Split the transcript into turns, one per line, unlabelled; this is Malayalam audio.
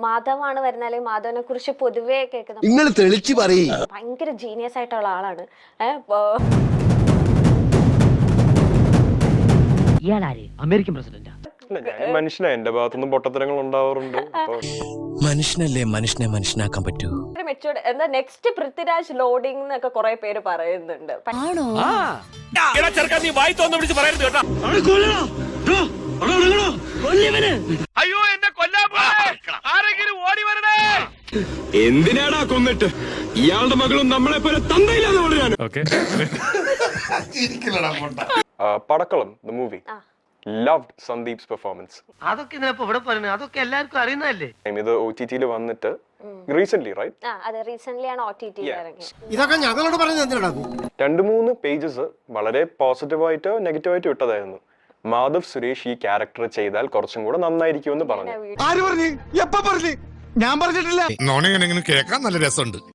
മാധവാണ് വരുന്നത്, അല്ലെങ്കിൽ മാധവനെ കുറിച്ച് പൊതുവേ കേൾക്കുന്ന
നിങ്ങൾ തെളിച്ചു പറയ്.
ഭയങ്കര ജീനിയസ് ആയിട്ടുള്ള ആളാണ്.
ഇയാളാര്? അമേരിക്കൻ പ്രസിഡന്റാ?
മനുഷ്യനാണ്, എന്റെ ഭാഗത്തുനിന്നും പൊട്ടത്തരങ്ങൾ ഉണ്ടാവാറുണ്ട്.
മനുഷ്യനല്ലേ മനുഷ്യനെ മനുഷ്യനാക്കാൻ പറ്റൂ.
മെച്ചൂർഡ് എന്താ നെക്സ്റ്റ് പൃഥ്വിരാജ് ലോഡിംഗ് എന്നൊക്കെ കുറെ പേര് പറയുന്നുണ്ട്.
അയ്യോ എന്നെ കൊല്ലാൻ ആരെങ്കിലും ഓടി വരണേ.
എന്തിനാടാ കൊന്നിട്ട്? ഇയാളുടെ മകളും നമ്മളെ പോലെ തന്തയില്ലാതെ വളരാൻ.
Padakkalam the movie loved Sandeep's performance.
അതൊക്കെ ഇതിനപ്പോ ഇവിടെ പറയുന്നത്, അതൊക്കെ എല്ലാവർക്കും അറിയുന്നതല്ലേ.
ഇത് OTT-ൽ വന്നിട്ട് റീസെന്റ് റൈറ്റ്?
അതെ, റീസെന്റ് ആണ് OTT ഇറങ്ങിയത്.
ഇതൊക്കെ ഞങ്ങളോട് പറഞ്ഞത് എന്തിനാ?
2-3 പേജസ് വളരെ പോസിറ്റീവായിട്ട് നെഗറ്റീവായിട്ട് വിട്ടതായിരുന്നു. മാധവ് സുരേഷ് ഈ ക്യാരക്ടർ ചെയ്താൽ കുറച്ചും കൂടെ നന്നായിരിക്കും എന്ന് പറഞ്ഞു.
ആര് പറഞ്ഞു? എപ്പ പറഞ്ഞു? ഞാൻ പറഞ്ഞിട്ടില്ല.
നോണെങ്ങനെ കേൾക്കാൻ നല്ല രസമുണ്ട്.